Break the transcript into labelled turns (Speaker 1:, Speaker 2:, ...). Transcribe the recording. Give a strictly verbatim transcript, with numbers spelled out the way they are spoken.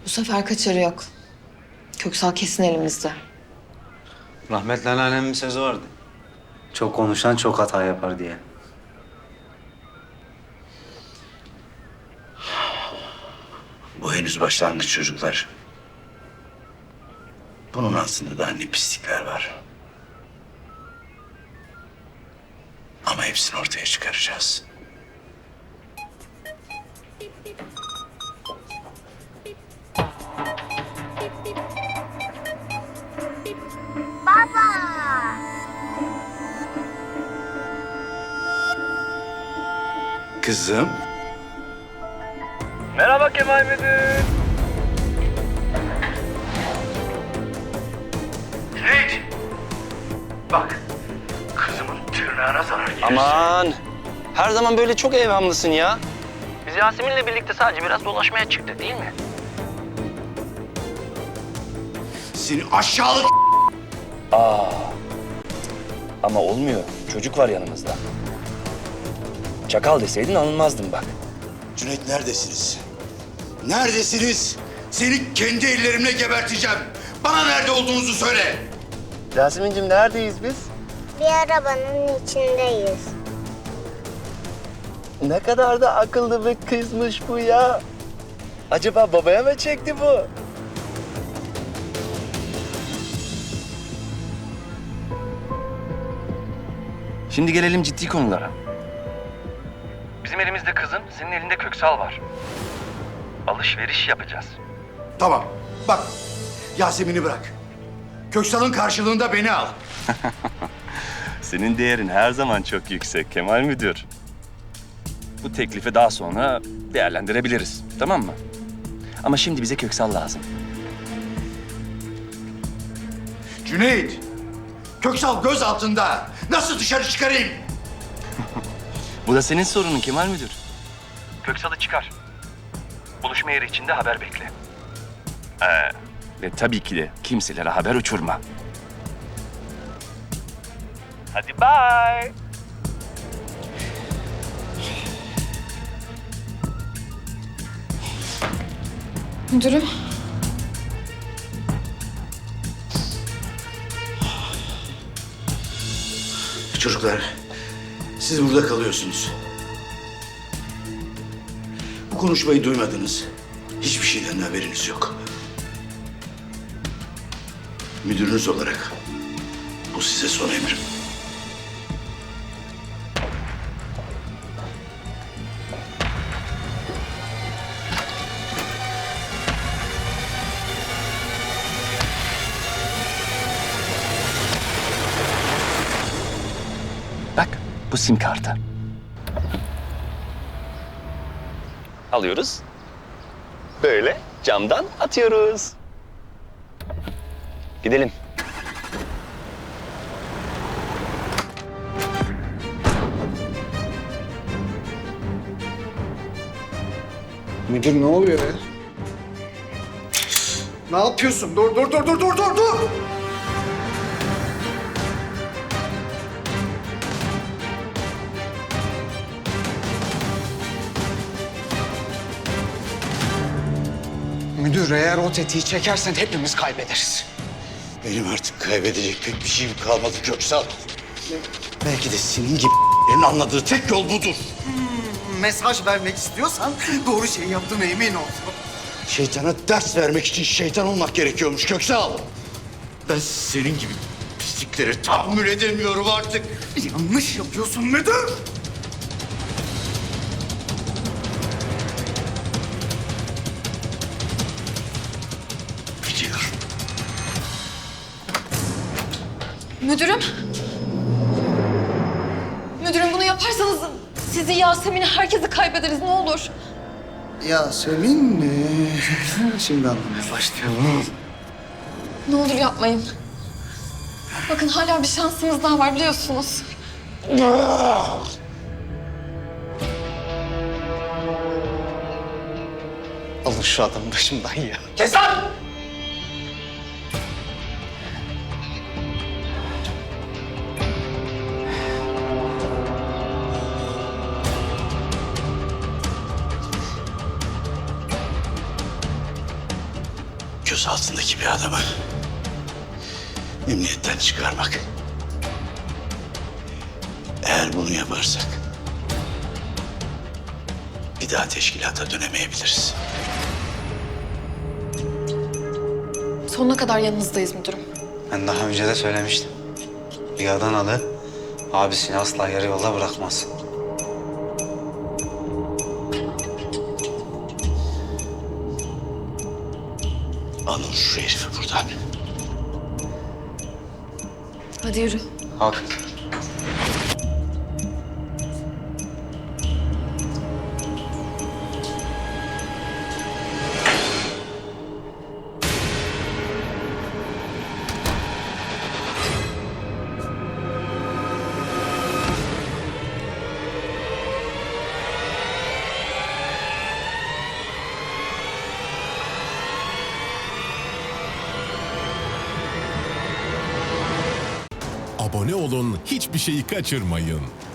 Speaker 1: Bu sefer kaçarı yok. Köksal kesin elimizde.
Speaker 2: Rahmetli anneannemin bir sözü vardı.
Speaker 3: Çok konuşan çok hata yapar diye.
Speaker 4: Bu henüz başlangıç çocuklar. Bunun aslında daha ne pislikler var. Ama hepsini ortaya çıkaracağız. Kızım.
Speaker 5: Merhaba Kemal Müdür.
Speaker 4: Cüneyt! Bak, kızımın tırnağına zarar gelirse...
Speaker 5: Aman, her zaman böyle çok evhamlısın ya. Biz Yasemin'le birlikte sadece biraz dolaşmaya çıktık değil mi?
Speaker 4: Seni aşağılık...
Speaker 5: Ama olmuyor. Çocuk var yanımızda. Çakal deseydin alınmazdım bak.
Speaker 4: Cüneyt neredesiniz? Neredesiniz? Seni kendi ellerimle geberteceğim. Bana nerede olduğunuzu söyle.
Speaker 5: Yasemin'cim neredeyiz biz?
Speaker 6: Bir arabanın içindeyiz.
Speaker 5: Ne kadar da akıllı bir kızmış bu ya. Acaba babaya mı çekti bu? Şimdi gelelim ciddi konulara. Bizim elimizde kızın, senin elinde Köksal var. Alışveriş yapacağız.
Speaker 4: Tamam, bak. Yasemin'i bırak. Köksal'ın karşılığında beni al.
Speaker 7: Senin değerin her zaman çok yüksek Kemal Müdür. Bu teklifi daha sonra değerlendirebiliriz, tamam mı? Ama şimdi bize Köksal lazım.
Speaker 4: Cüneyt, Köksal göz altında. Nasıl dışarı çıkarayım?
Speaker 7: Bu da senin sorunun Kemal Müdür. Köksal'ı çıkar. Buluşma yeri içinde haber bekle. Ee, ve tabii ki de kimselere haber uçurma. Hadi bye.
Speaker 1: Müdürüm.
Speaker 4: Çocuklar, siz burada kalıyorsunuz. Bu konuşmayı duymadınız. Hiçbir şeyden haberiniz yok. Müdürünüz olarak bu size son emrim.
Speaker 7: Bak, bu sim kartı. Alıyoruz. Böyle camdan atıyoruz. Gidelim.
Speaker 8: Müdür ne oluyor ya? Ne yapıyorsun? Dur, dur, dur, dur, dur, dur, dur! Müdür, eğer o tetiği çekersen hepimiz kaybederiz.
Speaker 4: Benim artık kaybedecek pek bir şeyim kalmadı Köksal. Belki de senin gibi anladığı tek yol budur.
Speaker 8: Mesaj vermek istiyorsan doğru şeyi yaptığına emin ol.
Speaker 4: Şeytana ders vermek için şeytan olmak gerekiyormuş Köksal. Ben senin gibi pislikleri tahammül edemiyorum artık.
Speaker 8: Yanlış yapıyorsun müdür.
Speaker 4: Biliyorum.
Speaker 1: Müdürüm. Müdürüm bunu yaparsanız sizi, Yasemin'i, herkesi kaybederiz, ne olur.
Speaker 8: Yasemin, ee, şimdi anlamaya başlayalım.
Speaker 1: Ne olur yapmayın. Bakın hala bir şansımız daha var biliyorsunuz.
Speaker 8: Alın şu adamı başımdan ya.
Speaker 5: Kes lan!
Speaker 4: gözaltındaki bir adamı emniyetten çıkarmak. Eğer bunu yaparsak bir daha teşkilata dönemeyebiliriz.
Speaker 1: Sonuna kadar yanınızdayız müdürüm.
Speaker 3: Ben daha önce de söylemiştim. Bir Adanalı abisini asla yarı yolda bırakmaz.
Speaker 4: Alın şu herifi buradan.
Speaker 1: Hadi yürü.
Speaker 3: Hadi.
Speaker 9: Abone olun, hiçbir şeyi kaçırmayın.